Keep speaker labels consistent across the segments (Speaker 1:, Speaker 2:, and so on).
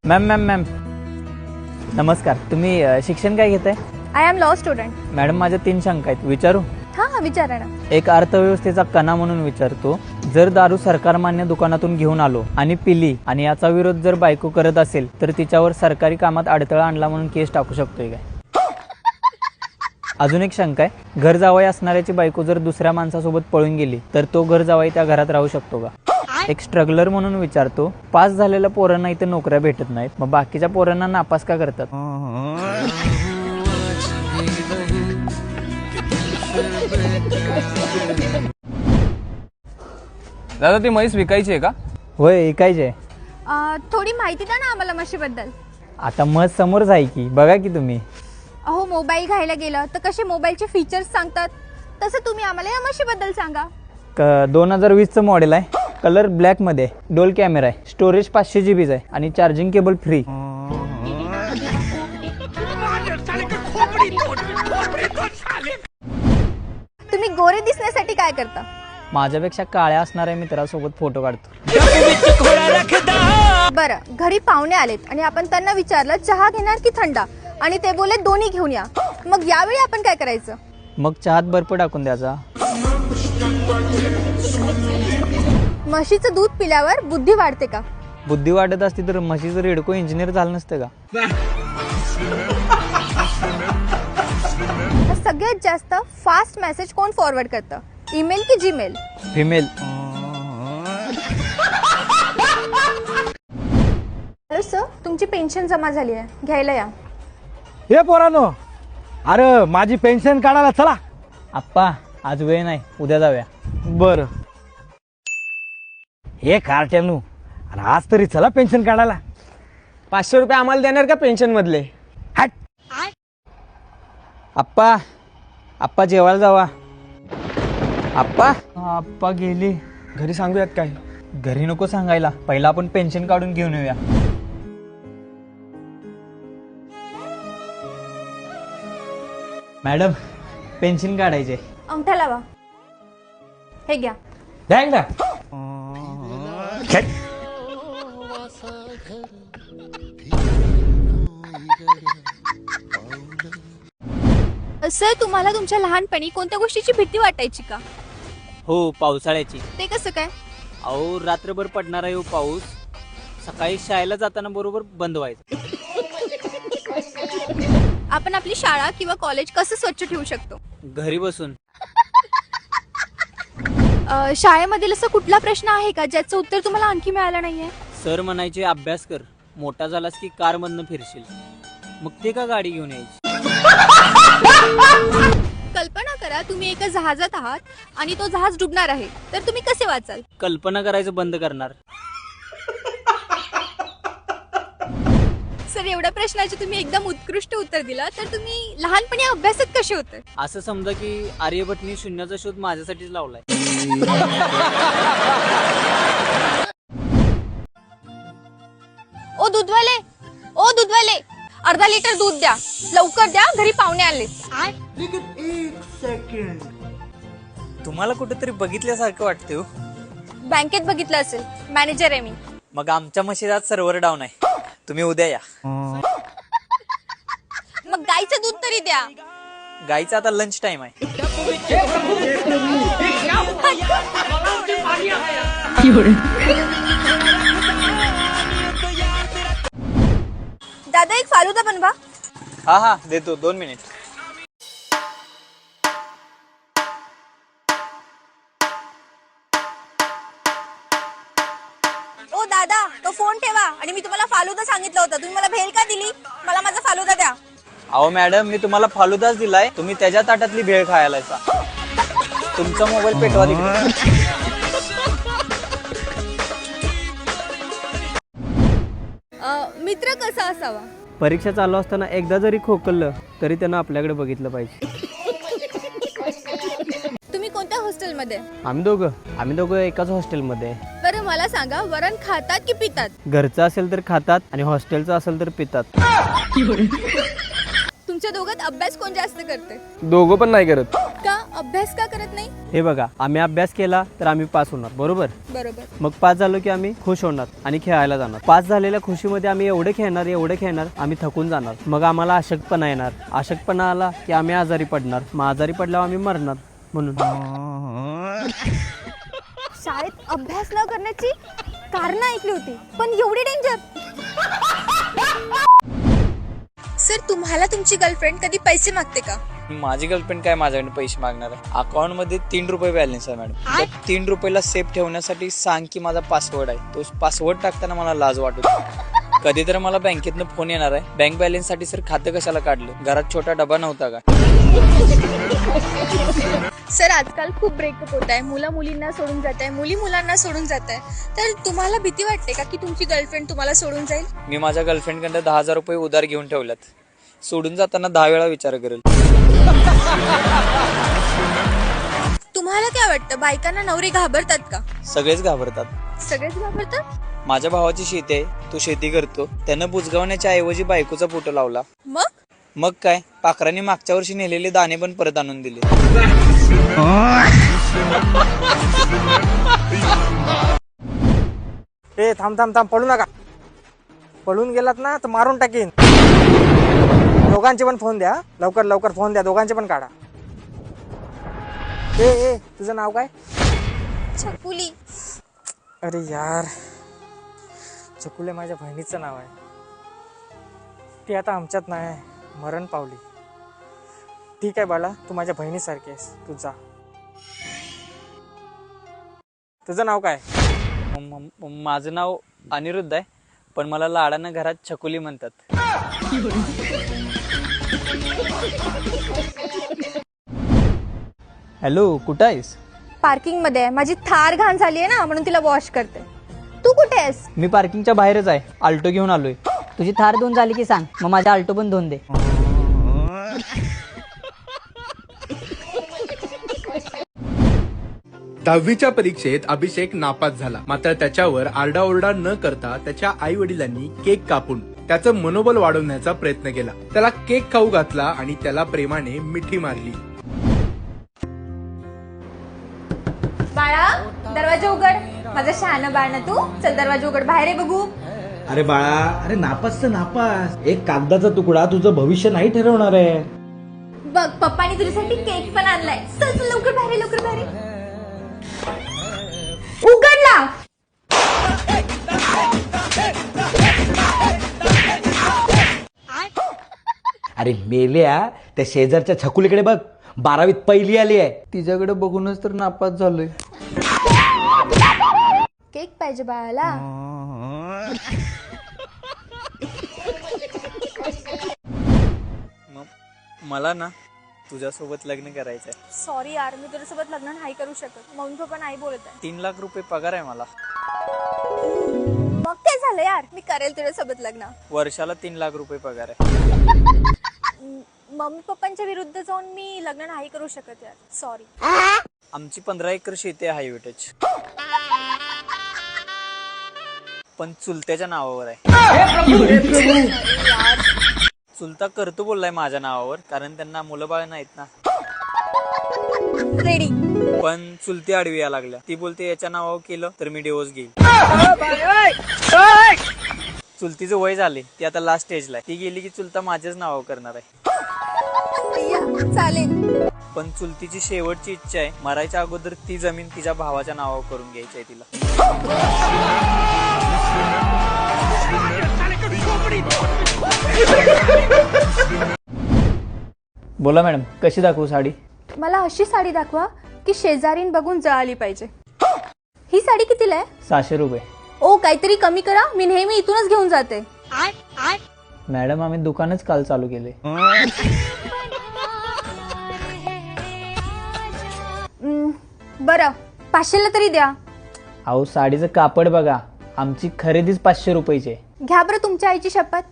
Speaker 1: Ma'am नमस्कार. तुम्ही शिक्षण काय घेताय?
Speaker 2: I am law student.
Speaker 1: Madam माझ्या 3 शंका आहेत, विचारू?
Speaker 2: हां विचारा ना.
Speaker 1: एक अर्थव्यवस्थेचा कणा म्हणून विचारतो, जर दारू सरकारमान्य दुकानातून घेऊन आलो आणि पिली आणि याचा विरोध जर बायको करत असेल तर तिच्यावर सरकारी कामात अडथळा आणला म्हणून केस टाकू शकतोय काय? अजून एक शंका आहे, घर जावई असणाऱ्याची बायको जर दुसऱ्या माणसासोबत पळून गेली तर तो घर जावई त्या घरात राहू शकतो का? एक स्ट्रगलर म्हणून विचारतो, पास झालेल्या पोरांना इथे नोकऱ्या भेटत नाहीत, मग बाकीच्या पोरांना नापास का करतात?
Speaker 3: दादा ती म्हैस विकायची आहे का?
Speaker 1: होय, ऐकायचे.
Speaker 2: थोडी माहिती द्या ना आम्हाला म्हशीबद्दल.
Speaker 1: आता मत समोरच आहे की, बघा की तुम्ही.
Speaker 2: अहो मोबाईल घ्यायला गेलं तर कसे मोबाईलचे फीचर्स सांगतात, तसं तुम्ही आम्हाला या म्हशीबद्दल सांगा.
Speaker 1: 2020चं मॉडेल आहे, कलर ब्लॅक मध्ये, डोल कॅमेरा आहे, स्टोरेज 500 GB आहे आणि चार्जिंग केबल फ्री.
Speaker 2: तुम्ही गोरे दिसण्यासाठी काय करता?
Speaker 1: माझ्यापेक्षा काळ्या असणाऱ्या मित्रासोबत फोटो काढतो.
Speaker 2: बरं, घरी पाहुणे आलेत आणि आपण त्यांना विचारलं चहा घेणार की थंडा, आणि ते बोले दोन्ही घेऊन या, मग यावेळी आपण काय करायचं?
Speaker 1: मग चहात बर्फ टाकून द्यायचा.
Speaker 2: म्हशीचं दूध पिल्यावर बुद्धी वाढते का?
Speaker 1: बुद्धी वाटत असती तर म्हशीचं रेडको इंजिनियर झालं नसतं का?
Speaker 2: सगळ्यात जास्त फास्ट मेसेज कोण फॉरवर्ड करतं, ईमेल की जीमेल?
Speaker 1: फिमेल.
Speaker 2: हॅलो सर, तुमची पेन्शन जमा झाली आहे, घ्यायला या.
Speaker 4: हे पोरानो, अरे माझी पेन्शन काढायला चला.
Speaker 1: आप्पा आज वेळ नाही, उद्या जाऊया.
Speaker 4: बर. हे कार्ट्यानू, अरे आज तरी चला पेन्शन काढायला.
Speaker 3: 500 रुपये आम्हाला देणार का पेन्शन मधले?
Speaker 4: हट.
Speaker 1: आप्पा जेवायला जावा. आप्पा गेली.
Speaker 3: घरी सांगूयात काय?
Speaker 1: घरी नको सांगायला, पहिला आपण पेन्शन काढून घेऊन येऊया. मॅडम पेन्शन काढायचे.
Speaker 2: अंगठा लावा. हे घ्या.
Speaker 4: द्याय ना.
Speaker 2: सर, तुम्हाला तुमच्या लहानपणी कोणत्या गोष्टीची भीती वाटायची का?
Speaker 1: हो, पावसाळ्याची.
Speaker 2: ते कसं काय?
Speaker 1: अहो रात्रभर पडणारा येऊ पाऊस, सकाळी शाळेला जाताना बरोबर बंद व्हायचं.
Speaker 2: आपण आपली शाळा किंवा कॉलेज कसं स्वच्छ ठेवू शकतो?
Speaker 1: घरी बसून.
Speaker 2: शाळेमधील असं कुठला प्रश्न आहे का ज्याचं उत्तर तुम्हाला आणखी मिळालं नाहीये?
Speaker 1: सर म्हणायचे अभ्यास कर, मोठा झालास की कार मधनं फिरशील. मग ते का गाडी घेऊन यायची?
Speaker 2: कल्पना करा तुम्ही एका जहाजात आहात आणि तो जहाज डुबणार आहे, तर तुम्ही कसे वाचाल?
Speaker 1: कल्पना करायचं बंद करणार.
Speaker 2: सर, एवढ्या प्रश्नाचे तुम्ही एकदम उत्कृष्ट उत्तर दिला, तर तुम्ही लहानपणी अभ्यासात कसे होते?
Speaker 1: असं समजा की आर्यभट्टनी शून्याचा शोध माझ्यासाठीच लावलाय.
Speaker 2: ओ दूधवाले, अर्धा लिटर दूध द्या, लवकर द्या, घरी पाहुणे आले.
Speaker 1: तुम्हाला कुठेतरी बघितल्यासारखं वाटतं.
Speaker 2: बँकेत बघितलं असेल, मॅनेजर आहे मी.
Speaker 1: मग आमच्या म्हशीदात सर्व्हर डाऊन आहे, तुम्ही उद्या या.
Speaker 2: मग गाईचं दूध तरी द्या.
Speaker 1: गाईचा आता लंच टाइम आहे.
Speaker 2: दादा एक फालुदा बनवा.
Speaker 1: हा देतो, 2 मिनिट.
Speaker 2: ओ दादा, तो फोन ठेवा आणि मी तुम्हाला फालुदा सांगितलं होतं, तुम्ही मला भेल का दिली? मला माझा फालुदा द्या.
Speaker 1: अहो मॅडम, मी तुम्हाला फालुदाच दिलाय, तुम्ही त्याच्या ताटातली भेळ खायला. तुमचा मोबाईल पेटवा तिकडे.
Speaker 2: मित्र कसा असावा?
Speaker 5: परीक्षा चालू असताना एकदा जरी खोकललं तरी त्यांना आपल्याकडे बघितलं पाहिजे.
Speaker 2: तुम्ही कोणत्या हॉस्टेलमध्ये?
Speaker 5: आम्ही दोघं एकाच हॉस्टेलमध्ये आहे.
Speaker 2: बरं मला सांगा, वरण खातात की पितात?
Speaker 5: घरचं असेल तर खातात आणि हॉस्टेलचं असेल तर पितात.
Speaker 2: तुमच्या दोघात अभ्यास कोण जास्त करते?
Speaker 3: दोघं पण नाही करत.
Speaker 2: का अभ्यास का करत नाही?
Speaker 5: हे बघा, आम्ही अभ्यास केला तर आम्ही पास होणार, बरोबर?
Speaker 2: बरोबर.
Speaker 5: मग पास झालो की आम्ही खुश होणार आणि खेळायला जाणार. पास झालेल्या खुशीमध्ये आम्ही एवढे खेळणार आम्ही थकून जाणार. मग आम्हाला अशक्तपणा येणार. अशक्तपणा आला की आम्ही आजारी पडणार. मग आजारी पडल्यावर आम्ही मरणार. म्हणून
Speaker 2: शाळेत अभ्यास न करण्याची कारण ऐकली होती, पण एवढी डेंजर? सर, तुम्हाला तुमची गर्लफ्रेंड कधी पैसे मागते का?
Speaker 1: माझी गर्लफ्रेंड काय माझ्याकडे पैसे मागणार आहे? अकाउंट मध्ये 3 रुपये बॅलन्स आहे मॅडम. त्या 3 रुपयाला सेफ ठेवण्यासाठी सांग की माझा पासवर्ड आहे. तो पासवर्ड टाकताना मला लाज वाटत होती. कधी तर मला बँकेतनं फोन येणार आहे, बँक बॅलन्स साठी सर खातं कशाला काढलं? घरात छोटा डबा नव्हता का?
Speaker 2: सर, आजकाल खूप ब्रेकअप होत आहे. मुलं मुलींना सोडून जात आहे, मुली मुलांना सोडून जात आहे. तर तुम्हाला भीती वाटते का की तुमची गर्लफ्रेंड तुम्हाला सोडून जाईल?
Speaker 1: मी माझ्या गर्लफ्रेंडकडे 10,000 रुपये उधार घेऊन ठेवल्यात. सोडून जाताना 10 वेळा विचार करेल.
Speaker 2: तुम्हाला काय वाटतं, बायकांना नवरे घाबरतात का?
Speaker 1: सगळेच घाबरतात.
Speaker 2: सगळेच घाबरतात?
Speaker 1: माझ्या भावाची शेती आहे, तो शेती करतो. त्यानं बुजगावण्याच्या ऐवजी बायकोचा फोटो लावला. मग काय, पाखरांनी मागच्या वर्षी नेलेले दाणे पण परत आणून दिले.
Speaker 3: ए थांब थांब थांब, पळू नका. पळून गेलात ना तर मारून टाकीन. दोघांचे पण फोन द्या, लवकर लवकर फोन द्या, दोघांचे पण काढा. ए तुझं नाव काय?
Speaker 2: छकुली.
Speaker 3: अरे यार, छकुले माझ्या बहिणीचं नाव आहे. ती आता आमच्यात नाही, मरण पावली. ठीक आहे बाळा, तू माझ्या बहिणीसारखी आहेस, तू जा. तुझं नाव काय?
Speaker 1: माझं नाव अनिरुद्ध आहे, पण मला लाडानं घरात छकुली म्हणतात. हॅलो, कुठं आहेस?
Speaker 2: पार्किंग मध्ये आहे. माझी थार घाण झाली आहे ना, म्हणून तिला वॉश करते. तू कुठे आहेस?
Speaker 1: मी पार्किंगच्या बाहेरच आहे, आल्टो घेऊन आलोय.
Speaker 6: तुझी थार धुवून झाली की सांग, मग माझा आल्टो पण धुवून दे.
Speaker 7: दहावीच्या परीक्षेत अभिषेक नापास झाला. मात्र त्याच्यावर आरडाओरडा न करता त्याच्या आई वडिलांनी केक कापून त्याचं मनोबल वाढवण्याचा प्रयत्न केला. त्याला केक खाऊ घातला आणि त्याला प्रेमाने मिठी मारली.
Speaker 2: बाळा, दरवाजा उघड. माझं शहाणं बाळ ना तू. चल दरवाजा उघड, बाहेर आहे बघू.
Speaker 4: अरे बाळा, अरे नापास तर नापास, एक कागदाचा तुकडा तुझं भविष्य नाही ठरवणार आहे.
Speaker 2: बघ, पप्पानी तुझ्यासाठी केक पण आणलाय. चल चल लवकर बाहेर, लवकर बाहेर. उघडला.
Speaker 4: अरे मेल्या, त्या शेजारच्या छकुलीकडे बघ, 12वीत पहिली आली आहे.
Speaker 1: तिच्याकडे बघूनच तर नापास झालोय.
Speaker 2: केक पाहिजे बाळाला.
Speaker 1: मला ना तुझ्यासोबत लग्न करायचंय.
Speaker 2: सॉरी यार, मी तुझ्यासोबत लग्न नाही करू शकत. मम्मी पप्पा नाही बोलत आहे.
Speaker 1: 3 लाख रुपये पगार आहे मला.
Speaker 2: मग काय झालं यार, मी करेल तुझ्यासोबत लग्न.
Speaker 1: वर्षाला 3 लाख रुपये पगार आहे.
Speaker 2: मम्मी पप्पांच्या विरुद्ध जाऊन मी लग्न नाही करू शकत यार, सॉरी.
Speaker 1: आमची 15 एकर शेती आहे हायवे टच, पण चुलत्याच्या नावावर आहे. चुलता करतो बोललाय माझ्या नावावर, कारण त्यांना मुलं बाळ नाहीत ना.
Speaker 2: रेडी.
Speaker 1: पण चुलती आडवी या लागल्या. ती बोलते याच्या नावावर केलं तर मी डिवोर्स घेईल. चुलतीचं वय झाले, ती आता लास्ट स्टेजला आहे. ती गेली की चुलता माझ्याच नावावर करणार आहे.
Speaker 2: चालेल.
Speaker 1: पण चुलतीची शेवटची इच्छा आहे, मरायच्या अगोदर ती जमीन तिच्या भावाच्या नावावर करून घ्यायची आहे तिला. बोला मॅडम, कशी दाखवू साडी?
Speaker 2: मला अशी साडी दाखवा की शेजारीन बघून जळाली पाहिजे. ही साडी कितीला आहे?
Speaker 1: 600 रुपये.
Speaker 2: ओ, काहीतरी कमी करा. मी नेहमी इथूनच घेऊन जाते.
Speaker 1: मॅडम, आम्ही दुकानच काल चालू केले.
Speaker 2: बरं, 500ला तरी द्या.
Speaker 1: अहो, साडीचं कापड बघा, आमची खरेदीच 500 रुपयाची आहे.
Speaker 2: घ्या बरं तुमच्या आईची शपथ.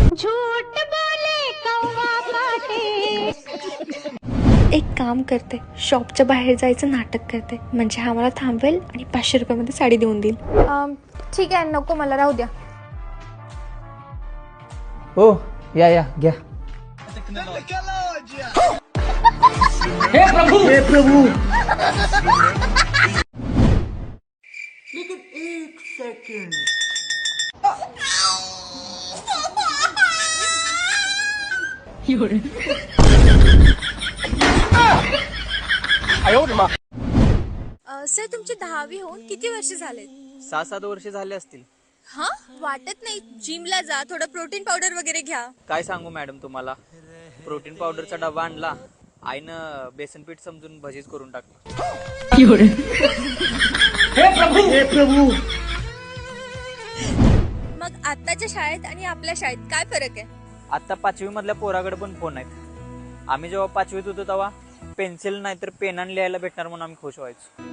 Speaker 2: एक काम करते, शॉपच्या बाहेर जायचं नाटक करते, म्हणजे हा मला थांबवेल आणि 500 रुपयामध्ये साडी देऊन देईल. ठीक आहे, नको मला, राहू द्या.
Speaker 1: हो, या घ्या.
Speaker 2: सर तुमची 10वी होऊन किती वर्ष झालेत?
Speaker 1: 6-7 वर्ष झाले असतील.
Speaker 2: हा वाटत नाही. जिमला जा, थोडं प्रोटीन पावडर वगैरे घ्या.
Speaker 1: काय सांगू मॅडम तुम्हाला, प्रोटीन पावडरचा डबा आणला, आईनं बेसन पीठ समजून भजीच करून टाकली.
Speaker 2: मग आत्ताच्या शाळेत आणि आपल्या शाळेत काय फरक आहे?
Speaker 1: आता 5वी मधल्या पोराकडे पण फोन आहेत. आम्ही जेव्हा 5वीत होतो तेव्हा पेन्सिल नाही तर पेनाने लिहायला भेटणार म्हणून आम्ही खुश व्हायचो.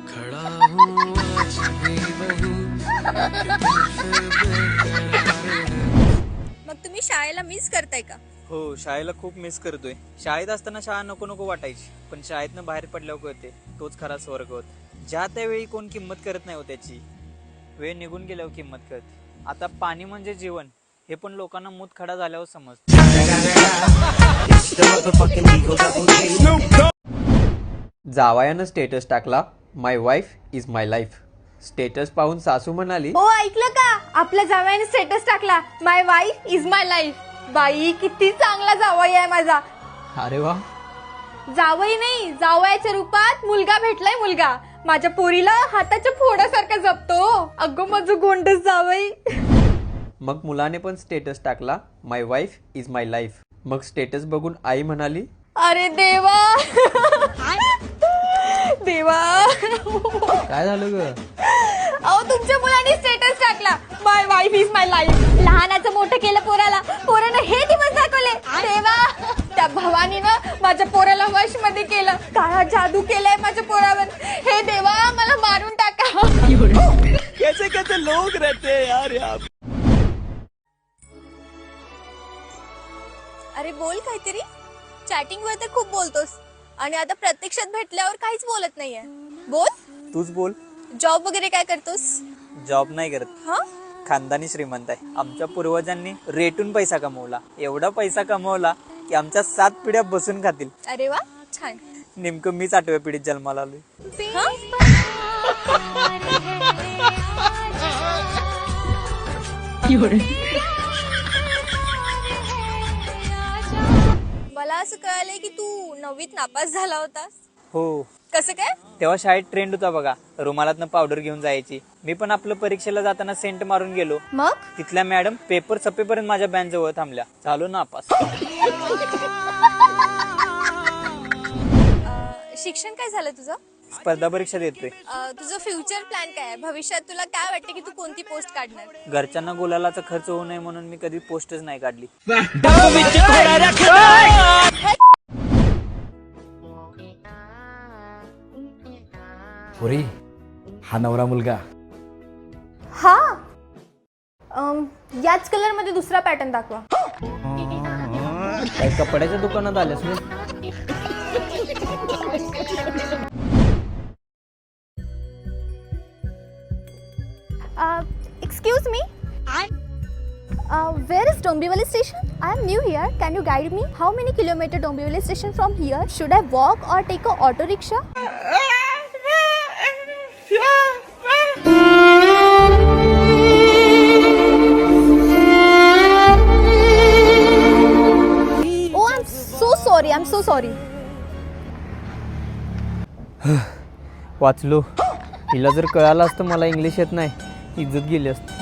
Speaker 2: मग तुम्ही शाळेला मिस करताय का?
Speaker 1: हो, शाळेला खूप मिस करतोय. शाळेत असताना शाळा नको नको वाटायची, पण शाळेतनं बाहेर पडल्यावर कळते तोच खरा स्वर्ग होता. ज्या त्यावेळी कोण किंमत करत नाही हो त्याची, वेळ निघून गेल्यावर किंमत कळते. आता पाणी म्हणजे जीवन हे पण लोकांना मूतखडा झाल्यावर समजतं.
Speaker 5: जावयानं स्टेटस टाकला, my wife is my life. Status पाहून सासू म्हणाली,
Speaker 2: ओ ऐकलं का, आपल्या जावयाने स्टेटस टाकला, my wife is my life. बाई किती चांगला जावई आहे माझा.
Speaker 5: अरे वा.
Speaker 2: जावई नाही, जावयाच्या रूपात मुलगा भेटलाय. मुलगा माझ्या पोरीला हाताच्या फोडासारखा जपतो. अगं माझं गोंडस जावई.
Speaker 5: मग मुलाने पण स्टेटस टाकला, my wife is my life. मग स्टेटस बघून आई म्हणाली,
Speaker 2: अरे देवा देवा.
Speaker 5: काय झालं ग?
Speaker 2: अहो तुमच्या मुलाने स्टेटस टाकला, my wife is my life. लहानाचं मोठं केलं पोराला, पोरानं हे दिवस दाखवले. देवा, त्या भवानीनं माझ्या पोराला वश मध्ये केलं. काळा जादू केलाय माझ्या पोरावर. हे देवा, मला मारून टाका.
Speaker 5: कैसे कैसे लोग रहते हैं यार यहाँ.
Speaker 2: अरे बोल काहीतरी. चॅटिंग वर तर खूप बोलतोस आणि आता प्रत्यक्षात भेटल्यावर काहीच बोलत नाहीये. बोल.
Speaker 1: तूच बोल.
Speaker 2: जॉब वगैरे काय करतोस?
Speaker 1: जॉब नाही करत,
Speaker 2: हा,
Speaker 1: खानदानी श्रीमंत आहे. आमच्या पूर्वजांनी रेटून पैसा कमवला, एवढा पैसा कमवला की आमच्या 7 पिढ्या बसून खातील.
Speaker 2: अरे वा, छान.
Speaker 1: नेमकं मीच 8व्या पिढीत जन्माला आलोय.
Speaker 2: हा? मला असं कळालंय की तू 9वीत नापास झाला होतास.
Speaker 1: हो,
Speaker 2: कसं काय?
Speaker 1: तेव्हा शाळेत ट्रेंड होता बघा, रुमालातनं पावडर घेऊन जायची. मी पण आपलं परीक्षेला जाताना सेंट मारून गेलो.
Speaker 2: मग
Speaker 1: तिथल्या मॅडम पेपर सपेपर्यंत माझ्या बँच जवळ थांबल्या. झालो नापास.
Speaker 2: शिक्षण काय झालं तुझं?
Speaker 1: स्पर्धा परीक्षा देतोय.
Speaker 2: तुझं फ्युचर प्लॅन काय आहे? भविष्यात तुला काय वाटतं की तू कोणती पोस्ट काढणार?
Speaker 1: घरच्यांना गुलालाचा खर्च होऊ नये म्हणून मी कधी पोस्टच नाही काढली.
Speaker 4: पोरी, हा नवरा मुलगा.
Speaker 2: हा, याच कलर मध्ये दुसरा पॅटर्न दाखवा.
Speaker 5: काय कपड्याच्या दुकानात आल्यास मी?
Speaker 2: Excuse me. Where is Dombivli station? I am new here. Can you guide me? How many kilometers Dombivli station from here? Should I walk or take a auto rickshaw? Oh, I'm so sorry. I'm so sorry.
Speaker 5: वाचलो. हिला जर कळालं असतं मला English येत नाही, इज्जत गेली असती.